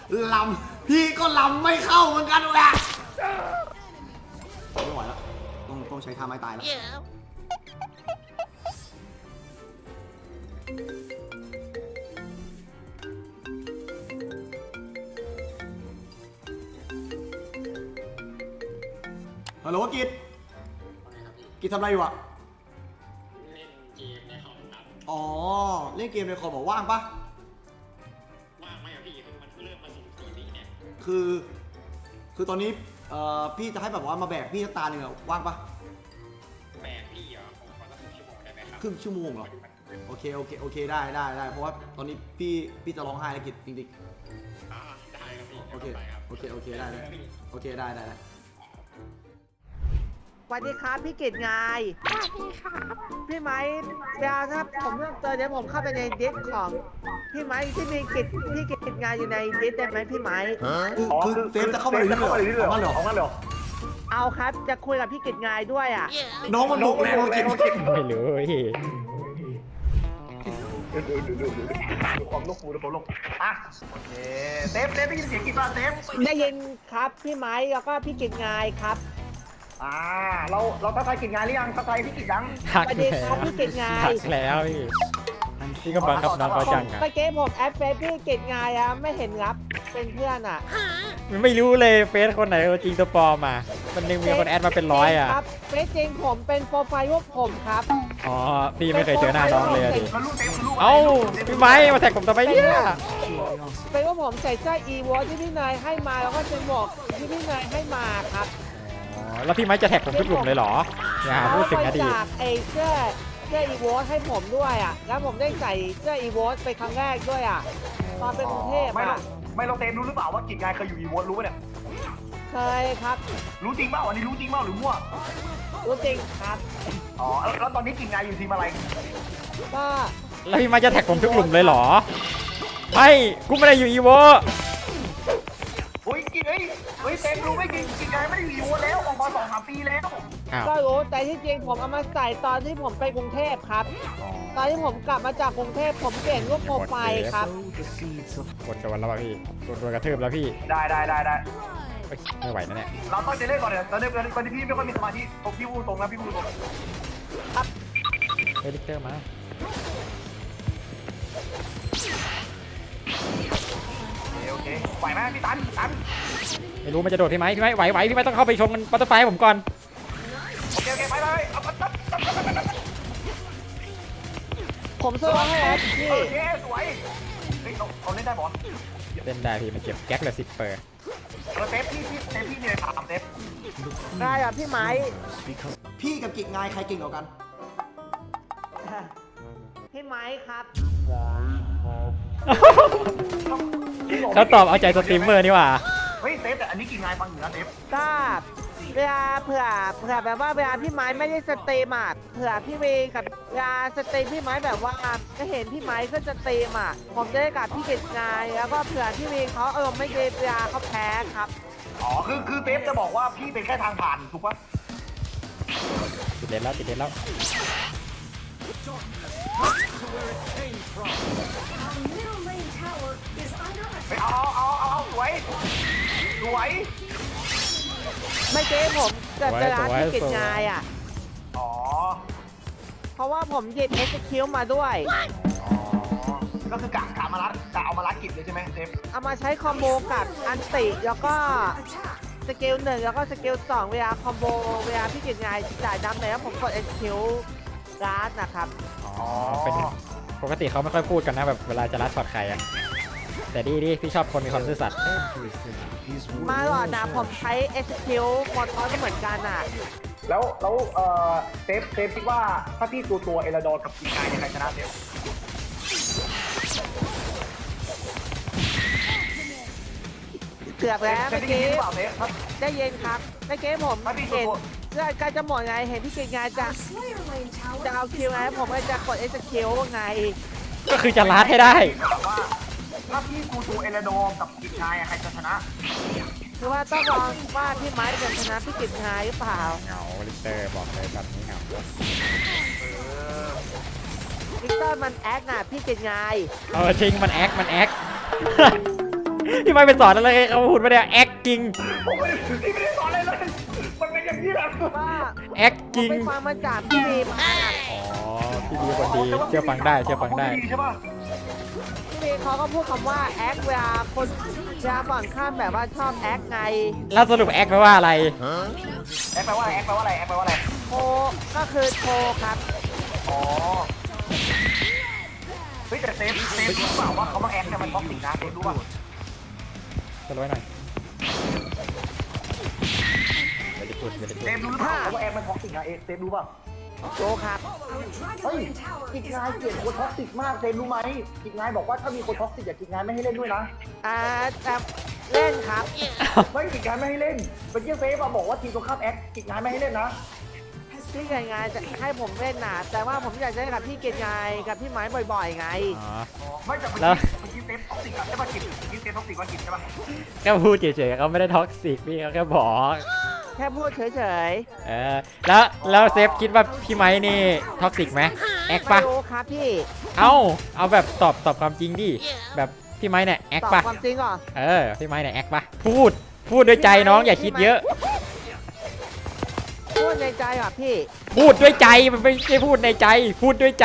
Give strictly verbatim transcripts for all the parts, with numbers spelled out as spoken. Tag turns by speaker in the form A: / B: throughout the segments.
A: ลำพี่ก็ลำไม่เข้าเหมือนกันแหละไม่ไหวแล้วต้องต้องใช้ท่าไม้ตายแล้วฮัลโหลกิจกิจทำอะไรอยู่อะเล่นเกมในคอมครับอ๋อเล่นเกมในคอมบอกว่างปะว่างไหมอะพี่คือมันเริ่มมาสุ่มสี่ปีเนี่ยคือคือตอนนี้เอ่อพี่จะให้แบบว่ามาแบกพี่ตาหนึ่งอะว่างปะแบกพี่เหรอผมขอสักครึ่งชั่วโมงได้ไหมครับครึ่งชั่วโมงเหรอโอเคโอเคโอเคได้ได้ได้เพราะว่าตอนนี้พี่พี่จะร้องไห้แล้วกิจจริงๆอ่าได้ครับพี่โอเคโอเคโอเคได้ได้โอเคได้ได้
B: สวัสดีครับพี่กิตไงสวัสดีครับพี่ไม้เดี๋ยวถ้าผมเริ่มเจอเดี๋ยวผมเข้าไปในดิสของพี่ไม้ที่มีกิจพี่กิตงานอยู่ในดิสได้ไหมพี่ไม้
A: คือคือเฟซจะเข้ามาเลยเหรอเอามาเหรอเอามาเหรอ
B: เอาครับจะคุยกับพี่กิตงานด้วยอ่ะ
A: น้องมันดุแรงกิจ
C: ไม่รู้พี่
D: ดูดูดูดูดูความลูกฟูดูความลูกอ่ะโอเคเซฟเซฟได้ยินเสียงกี่ป่ะเซฟ
B: ได้ยินครับพี่ไม้แล้วก็พี่กิตงานครับ
D: อ่าเราเราทักทายกิจงานหรือยังทักทายพี่กิจยัง
C: ทักแล้ว
B: พี่กิตงาน
C: ทักแล้วพี่พี่ก็บังคับน้องเขาจังอะ
B: เมื่อกี้ผมแอดเฟซพี่กิตงานอะไม่เห็นรับเป็นเพื่อนอะ
C: ไม่รู้เลยเฟซคนไหนจริงตัวปลอมมามันยังมีคนแอดมาเป็นร้อยอะ
B: ครับเฟซจริงผมเป็นโปรไฟล์พวกผมครับ
C: อ๋อพี่ไม่เคยเจอหน้าน้องเลยดิเอ้าพี่ไม้มาแท็กผมทำไมเนี่ย
B: เป็นว่าผมใส่เสื้ออีวอที่พี่นายให้มาแล้วก็เป็นหมวกที่พี่นายให้มาครับ
C: แล้วพี่ไม้จะแท็กผมทุกกลุ่มเลยเหรออย่าพูดถึงอดีต
B: จากไอ้เสื้อเสื้ออีโวให้ผมด้วยอ่ะแล้วผมได้ใส่เสื้ออีโวไปครั้งแรกด้วยอ่ะตอนเป็นกรุงเทพอ่ะ
D: ไม่เราเต็มรู้หรือเปล่าว่ากิจงานเคยอยู่อีโวรู้ป่ะเนี่ย
B: เคยครับ
D: รู้จริงเปล่าอันนี้รู้จริงเปล่าหรือมั่ว
B: รู้จริงครับ
D: อ๋อแล้วตอนนี้กิจงานอยู่ทีมอะไร
B: ก็
C: แล้วพี่ไม้จะแท็กผมทุกกลุ่มเลยเหรอไม่กูไม่ได้อยู่อีโว
D: โอ้ยกิจเอ้ยเฮ้ยเต็มรู้ไหมกิจกิจงานไม่ได้อยู่อีโวแล้วออกมาสองสามปีแล้ว
B: ก็รู้แต่ที่จริงผมเอามาใส่ตอนที่ผมไปกรุงเทพครับตอนที่ผมกลับมาจากกรุงเทพผมเปลี่ยนรูปโปรไฟล์ครับ
C: กดโดนแล้วพี่กดโดนกระทืบแล้วพี่
D: ได้ได้ได้ได้
C: ไม่ไหวนะเนี่ย
D: เราต้องจะเล่นก่อนเดี๋ยวตอนนี้ตอนนี้พี่ไม่ค่อยมีสมาธิผมพี่พูดตรงนะพี่พูดตรง
B: ครับ
C: เฮลิคอปเตอร์มา
D: โอเคไหวไหมพี่ตันตัน
C: ไม่รู้มันจะโดดพี่ไหมพี่ไหมไหวไหวพี่ไหมต้องเข้าไปชนมันบัตเตอร์ไฟผมก่อน
D: โอเคโอเคไปไปเอาปั๊บปั๊บปั๊บปั๊บปั๊บ
B: ผมสวยให้พี่
D: โอเคสวยเฮ้ยเขาเล่นได้บอล
C: เล่นได้พี่มันเจ็บแก๊กเลยสิเปอร์
D: เซฟพี่พี่เซฟพี่มีอะไรถามเซฟ
B: ได้ครับพี่ไม้
A: พี่กับกิจงานใครเก่งกว่ากัน
B: พี่ไม้ครับ
C: เขาตอบเอาใจสตรีมเมอร์นี่หว่า
D: เฮ้ยเซฟแต่อันนี้กินงานฟังอยู่นะเซฟ
B: ก็เวลาเผื่อเผื่อแบบว่าเวลาพี่ไม้ไม่ได้สตรีมอ่ะเผื่อพี่เวกับเวลาสตรีมพี่ไม้แบบว่าจะเห็นพี่ไม้ก็สตรีมอ่ะผมจะได้กับพี่กิจงานแล้วก็เผื่อพี่เวเขาเออไม่ได้เวลาเขาแพ้ครับ
D: อ๋อคือคือเซฟจะบอกว่าพี่เป็นแค่ทางผ่านถูกปะ
C: ติดเด่นแล้วติดเด่นแล้ว
D: ไปเอาเอาเอาเอาสวยสวย
B: ไม่เจ๊ผมเกิดเวลาที่กิจงานอ่ะ
D: อ๋อ
B: เพราะว่าผมหยิบเอ็กซ์คิวมาด้วย
D: ก็คือกะกะมาลัดกะเอามาลัดกิจเลยใช่ไหมเซฟ
B: เอามาใช้คอมโบกับอันติแล้วก็สกิลหนึ่งแล้วก็สกิลสองเวลาคอมโบเวลาพี่กิจงานจ่ายดำแล้วผมกดเอ็กซ์คิวการ์ดนะครับ
C: อ๋อเป็นปกติเขาไม่ค่อยพูดกันนะแบบเวลาจะรัดช็อตใครอะแต่ดีดีพี่ชอบคนมีความซื่อสัตย์
B: มาหรอนะผมใช้ เอ็กซ์ คิว มอดก็เหมือนกันอ่ะ
D: แล้วแล้วเอ่อเซฟเซฟคิดว่าถ้าพี่ตัวตัวเอลดอร์กับกิจงานยังไงชนะเซฟ
B: เกือบแล้วเมื่อกี้ได้เย็นครับเมื่อกี้ผมเห็นเรื่องการจะหมดไงเห็นพี่กิจงานจะจะเอาคิวไงผมก็จะกด เอ็กซ์ คิว ไง
C: ก็คือจะรัดให้ได้
D: ถ้าพี่กูตูเอลโดกับกิจงายใครจะชนะ
B: คือว่าต้องลองว่าพี่ไม้จะชนะพี่กิจงายหรือเปล่า
C: เหงาลิเตอร์บอกเลยแบบนี้เหงา
B: ลิเตอร์มันแอคน่ะพี่กิจงาย
C: เออจริงมันแอคมันแอคพี่ไม้เป็นสอนอะไรเขาพูดไม่ได้ acting
D: ผมไม่ได้พี่ไม่ได้สอนอะไรเลยมันเป็นอย่างนี้แหละ
B: ว่า ผม
C: acting
B: ไปฟังมาจากพี่บีมา
C: อ๋อพี่ดีคนดีเชื่อฟังได้เชื่อฟังได้
D: ใช่ป่ะ
B: พี่บีเขาก็พูดคำว่าแอคเวลาคนเวลาฝั่งข้ามแบบว่าชอบแอคไง
C: แล้วสรุป act แปลว่าอะไร
D: แอคแปลว่าอะไรแอคแปลว่าอะไรแอคแปลว่าอะไร
B: โทรก็คือโทรครับ
D: อ๋อเฮ้ยแต่เซฟเซฟรู้เปล่าว่าเขามาแอคเนี่ยมันท็อกซิกนะเซฟรู้ป่ะ
C: จะร้อยหน่อยไม่ได้พูดไม่ได้พู
D: เซ
C: ด
D: ฟรู้หรือเปล่าว่าแอคมันท็อกซิกนะเอเซฟรู้ป่ะ
B: โทรครับ
D: เฮ้ยกิจงายเกลียดคนท็อกซิกมากเซฟรู้ไหมกิจงายบอกว่าถ้ามีคนท็อกซิกอย่ากิจงายไม่ให้เล่นด้วยนะ
B: อ่าแต่เล่นครับ
D: ไม่กิจงายไม่ให้เล่นเมื่อกี้เซฟมาบอกว่าทีมตรงข้ามแอคกิจงายไม่ให้เล่นนะ
B: พี่เกณฑ์งานจะให้ผมเล่นนะแต่ว่าผมอยากจะเล่นกับพี่เกณฑ์งานกับพี่ไม้บ่อยๆไง
C: อ๋อ
D: ไม่แต่เมื่อ
C: แล้ว
D: กี้เมื่อกี้เซฟท็อกซิกอะใช่ป่ะกิจเมื่อกี้เซฟท็อกซิกว่ากิจใช่ป่ะ
C: แค่พูดเฉยๆเขาไม่ได้ท็อกซิกพี่เขาแค่บอก
B: แค่พูดเฉย
C: เออแล้วแล้วเซฟคิดว่าพี่ไม้นี่ท็อกซิกไหมแอค
B: ๆ
C: ปะ
B: ไม่รู้ครับพี่
C: เอ้าเอาแบบตอบตอบความจริงดิแบบพี่ไม้เนี่ยแอค
B: ตอบ
C: ปะ
B: ความจริงเหรอ
C: เออพี่ไม้เนี่ยแอคปะพูดพูดด้วยใจน้องอย่าคิดเยอะ
B: พูดในใจเหรอพี่
C: พูดด้วยใจมันไม่ใช่พูดในใจ พูดด้วยใจ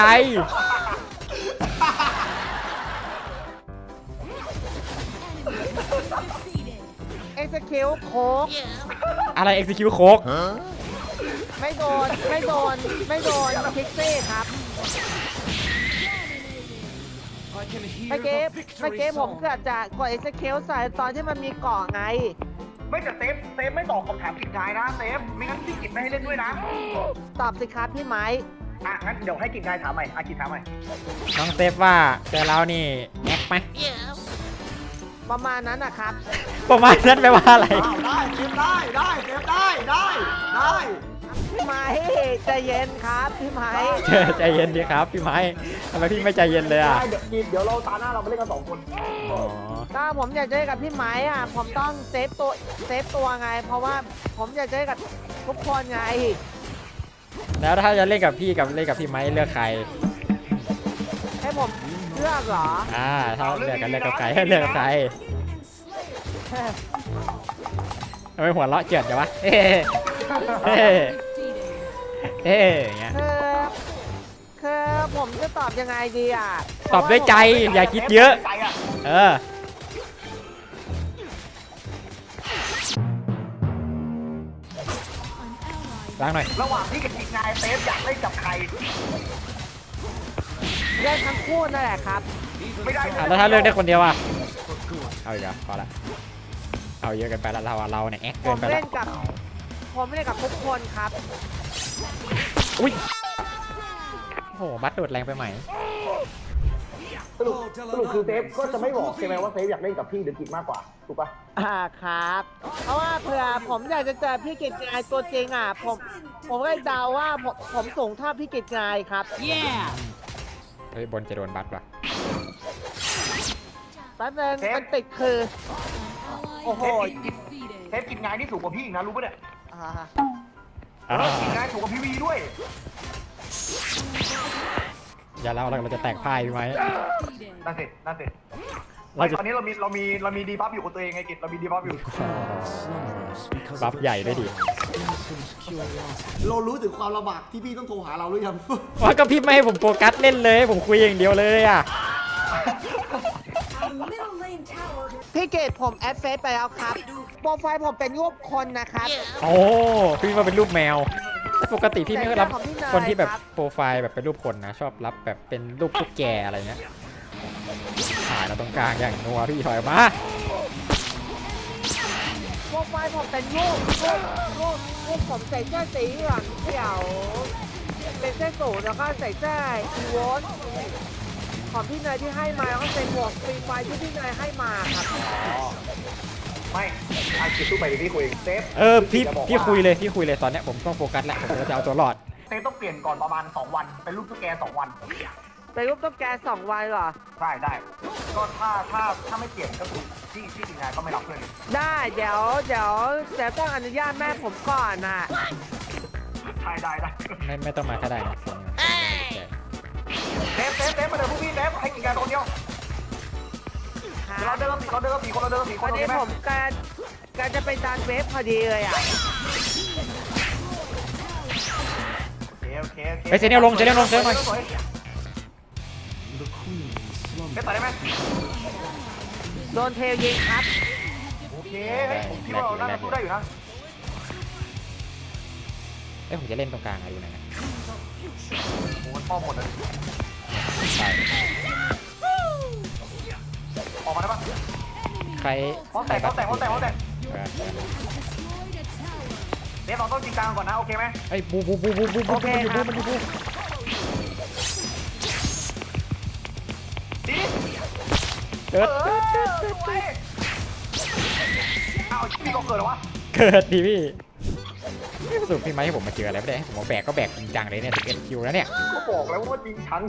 B: เอ็กซ์คิวโค้ก
C: อะไร execute โค้ก
B: ไม่โดนไม่โดนไม่โดนคิกซี่ครับเมื่อกี้เมื่อกี้ผมเกือบจะกดเอ็กซ์คิวใส่ตอนที่มันมีเกาะไง
D: ไม่แต่เซฟเซฟไม่ตอบคำถามกิจงายนะเซฟไม่งั้นพี่กิจไม่ให้เล่นด้วยนะ
B: ตอบสิครับพี่ไม้
D: อ่ะงั้นเดี๋ยวให้กิจงายถามใหม่อ่ะกิจถามใหม่
C: น้องเซฟว่าเจอเรานี่แอคไหม
B: ประมาณนั้นนะครับ
C: ประมาณนั้นแปลว่าอะไร
A: อ้าวได้เซฟได้ได้เซฟได้ได้ได้
B: พี่ไม้ใจเย็นครับพี่ไม้
C: ใจเย็นดีครับพี่ไม้ทำไมพี่ไม่ใจเย็นเลยอ่ะ
D: ได้เดี๋ยวกิจเดี๋ยวเราตาหน้าเราไปเล่นกันสองคน
C: อ๋อ
B: ถ้าผมอยากจะเล่นกับพี่ไม้อ่ะผมต้องเซฟตัวเซฟตัวไง เพราะว่าผมอยากจะเล่นกับทุกคนไง
C: แล้วถ้าจะเล่นกับพี่กับเล่นกับพี่ไม้เลือกใคร
B: ให้ผมเลือกเหรอ
C: อ่าถ้าเลือกกันเลือกกับใครให้เลือกกับใครทำไมหัวเราะเจิดจังวะเฮ้เฮ้เฮ้อย่างเงี้ย
B: คือคือผมจะตอบยังไงดีอ่ะ
C: ตอบด้วยใจอย่าคิดเยอะ
D: ใจอ่ะ
C: เออล้างหน่อย
D: ระหว่างที่กับกิจงายเซฟอยากเล่นกับใคร
B: เล่นทั้งคู่นั่นแหละครับ
D: ไม่ได้
C: อ่ะแล้วถ้าเลือกได้คนเดียวอ่ะเอาอีกแล้วพอละเอาเยอะเกันไปแล้วเราอะเราเนี่ยแอค
B: ผ
C: เกิน
B: ม
C: ไปแล้
B: เล่
C: วน
B: กับ ผมเล่นกับทุกคนครับ
C: อุ้ยโอ้โหบัตรโดดแรงไปไหม
D: สรุปสรุปคือเซฟก็จะไม่บอกใช่ไหมว่าเซฟอยากเล่นกับพี่หรือกิจมากกว่าถูกปะ
B: อ่าครับ เพราะว่าเผื่อผมอยากจะเจอพี่กิจงายตัวจริงอ่ะ ผม ผมก็เดาว่าผมผมสูงเท่าพี่กิจงายครับ
C: เฮ้ยบนจะโดนบัตรปะ
B: แป๊บนึงมันติดคือ โอ้โห
D: เซฟกิจงายนี่สูงกว่าพี่อีกนะรู้ปะเนี่ย
B: อ่า
D: เออกิจงายสูงกว่าพี่วีด้วย
C: อย่าเล่าเราเราจะแตกพ่ายไหม
D: นั่นสินั่นสิ
C: เราจะ
D: ตอนนี้เรามีเรามีเรามีดีบัฟอยู่กับตัวเองไงกิจเรามีดีบัฟอยู่
C: บัฟใหญ่ด้วยดิ
A: เรารู้ถึงความลำบากที่พี่ต้องโทรหาเราหรือยัง
C: ว่าก็พี่ไม่ให้ผมโฟกัสเล่นเลยผมคุยอย่างเดียวเลยอ่ะ
B: พี่เกดผมแอดเฟซไปแล้วครับ โปรไฟล์ผมเป็นรูปคนนะครับ
C: โอ้พี่มาเป็นรูปแมว ปกติพี่ไม่ค่อยรับ
B: แต่ของพี่นาย
C: คนที่แบบ
B: ครับ
C: โปรไฟล์แบบเป็นรูปคนนะ ชอบรับแบบเป็นรูปตุ๊กแกอะไรเงี้ยถ่ายเราตรงกลางอย่างนัวพี่ถอยออกมา
B: โปรไฟล์ผมเป็นรูปรูปรูปรูปผมใส่เสื้อสีเหลืองเขียว เป็นเสื้อสูทแล้วก็ใส่เสื้ออีโวสของพี่เนยที่ให้มาแล้วก็ใส่หมวกฟรีไฟล์ที่พี่เนยให้มาครับ
D: ไม่อากิจสู้ไปดิพี่คุยเซฟ
C: เออพี่
D: จะบอกว่า
C: พี่คุยเลยพี่คุยเลยตอนเนี้ยผมต้องโฟกัสแล้วผมจะเอาตัวรอด
D: เซฟต้องเปลี่ยนก่อนประมาณสองวันเป็นรูปตุ๊กแกสองวัน
B: เป็นรูปตุ๊กแกสองวันเหรอ
D: ได้ได้ก็ถ้าถ้าถ้าไม่เปลี่ยนก็คือที่ที่กิจงายก็ไม่รับเพื่อน
B: ได้เดี๋ยวเดี๋ยวเดี๋ยวต้องอนุญาตแม่ผมก่อนน่ะ
D: ได้ได้ได้
C: ไม่ไม่ต้องมาก็ได้นะเสียง
D: เซฟเซฟเซฟมาเดี๋ยวพวกพี่เซฟให้กิจงายคนเดียว
B: คครับ
D: เราเดินกันสี่เราเดินกันสี่คนเราเดินกันสี่ค
B: วัน น
D: โอเค
B: นี้
D: ไหม
B: ผมการการจะเป็นการเวฟพอดีเลยอ่ะ
D: โอเคโอเคโอเค
C: เฮ้ยเซเนียลลงเซเนียลลงเซเนียลหน่อย
D: ได้ต่อได้ไหม
B: โดนเทลยิงครับ
D: โอเคเฮ้ยผมคิดว่าเราน่าจะสู้ได้อยู่นะ
C: เอ้ยผมจะเล่นตรงกลางอะดูหน่อยนะ
D: โอ้โหป้อมหมดเลย
C: ใช่
D: ออกมาได้ปะ
C: ใคร
D: ป้อมแตกป้อมแตกป้อมแตกป้อมแตก
C: เออ
D: เดี๋ยวเราต้องจริงจังก่อนนะโอเคไหม
C: เอ้ยบูบูบูบูบูบูมันอยู่บูมันอยู่บู
D: ดี
C: เกิด
D: เออสวยอ้าวพี่ก็เกิดเหรอวะ
C: เกิดดิพี่นี่สรุปพี่ไม้ให้ผมมาเจออะไรไม่ได้ให้ผมมาแบกก็แบกจริงจังเลยเนี่ยสิบเอ็ดคิวแล้วเนี่ย
D: ก็บอกแล้วว่าจริงชัง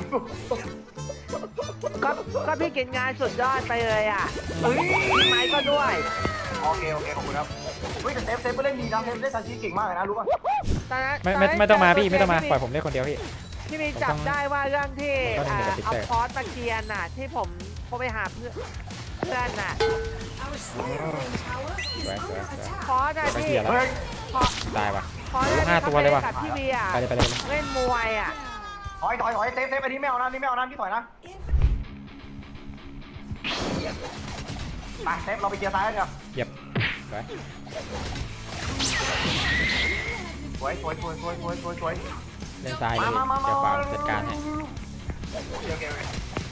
B: ก็ก็พี่กินงานสุดยอดไปเลยอ่ะ
D: เฮ้ย
B: พี่ไม้ก็ด้วย
D: โอเคโอเคขอบคุณครับเฮ้ยแต่เซฟเซฟก็เล่นดีนะเซฟเล่นซาชิเก่งมากเลยนะรู้ป่ะ
B: ตอนนั้น
C: ไม่ไม่ไม่ต้องมาพี่ไม่ต้องมาปล่อยผมเล่นคนเดียวพี่
B: พี่มีจับได้ว่าเรื่องที่
C: ผมต้อง
B: อ่า
C: เล่นกับ
B: เอา
C: Peter
B: คอร์สมาเกียนน่ะ ที่ผมโทรไปหาเพื่อนเพื่อนน่ะ
C: สวยสวยสวย
B: คอร์สน่ะ
C: ไป
B: พี่
C: เกียร์แล้ว
D: เฮ้ย
B: คอร์ส
C: ได้ปะ
B: คอร์ส
C: ห้าตัวเลยว่ะ
B: กับพี่เบียร์
C: ไปเลยไปเลย
B: เล่นมวยอ่ะ
D: ถอยถอยถอยเซฟเซฟอันนี้ไม่เอานะอันนี้ไม่เอานะพี่ถอยนะไปเซฟเราไปเกียร์ซ้ายกันเถอะ
C: เหยียบสวย
D: สวยสวยสวยสวยสวยสวยสวย
C: เล่นซ้ายเลย
D: มามามา
C: เดี๋ยวขวา
D: มา
C: จัดการให้
D: โอเคโอเคโอเค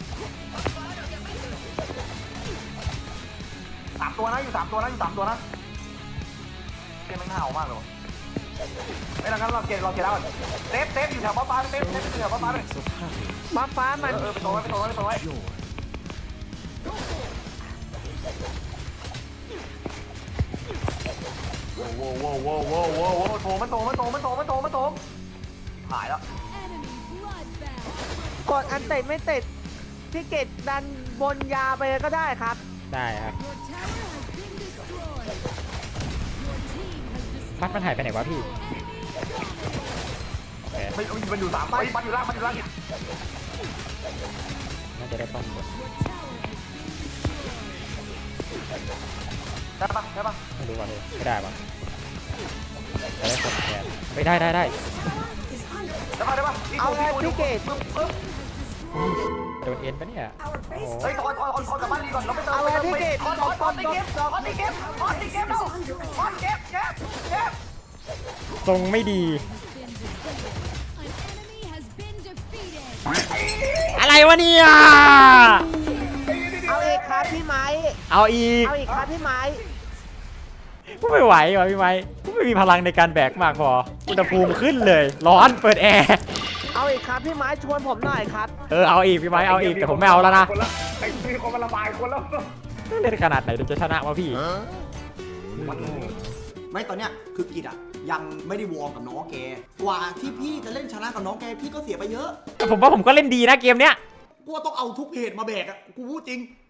D: สามตัวนะอยู่สามตัวนะอยู่สามตัวนะเกมมันห่าวมากเลยว่ะไม่แล้วงั้นเราเกมเราเกมแล้วเซฟเซฟอยู่แถวป้าป้าเซฟเซฟอยู่แถวป้าป้าเลย
B: ฟ้าฟ้า
D: เอ
B: มัน
D: อเออไปตัวไว้ไปตัวไว้ไปตัวไว้โว้โว้โว้โว้โว้โว้โว้โถมันโถมันโถมันโถมันโถมันโถหายแล้ว
B: กดอันเตะไม่ติดพี่เกดดันบนยาไปเลยก็ได้ครับ
C: ได้ครับพัดมันหายไปไหนวะพี่โอเค
D: ไม่มันอยู่สามไปมันอยู่ล่างมันอยู่ล่าง
C: น่าจะได้ป้อม
D: ได้ปะได้ปะ
C: ไม่รู้ว่าเลยไม่ได้ปะจะได้กดแทนไม่ได้ได้ได้
D: ได้ปะได้ปะ
B: เอาไงพี่เกด
C: โดนเอ็นปะเนี่ยโอ้โห
D: เฮ้ยถอนถอนถอนถอนกลับบ้านดีก่อนเราไม่เติม
B: เอาไงพี่เกด
D: ถอนถอนถอนตีเกมถอนตีเกมถอนตีเกมเราถอนเก็บเก็บเก็บ
C: ทรงไม่ดี อะไรวะเนี่ย
B: เอาอีกครับพี่ไม้
C: เอาอีก
B: เอาอีกครับพี่ไม้
C: กูไม่ไหวว่ะพี่ไม้กูไม่มีพลังในการแบกมากพออุณหภูมิขึ้นเลย ร้อนเปิดแอร์
B: เอาอีกครับพี่ไม้ชวนผมหน่อยครับ
C: เออเอาอีกพี่ไม้เอาอีกแต่ผมไม่เอาแล้วนะ
D: ไอ้มีคนมาระบายคนแล้ว
C: เล่นขนาดไหนถึงจะชนะวะพี่
A: ไม่ตอนเนี้ยคือกิจอะยังไม่ได้วอร์มกับน้องแกกว่าที่พี่จะเล่นชนะกับน้องแกพี่ก็เสียไปเยอะ
C: แต่ผมว่าผมก็เล่นดีนะเกมเนี้ย
A: กูว่าต้องเอาทุกเพจมาแบกอะกูพูดจริง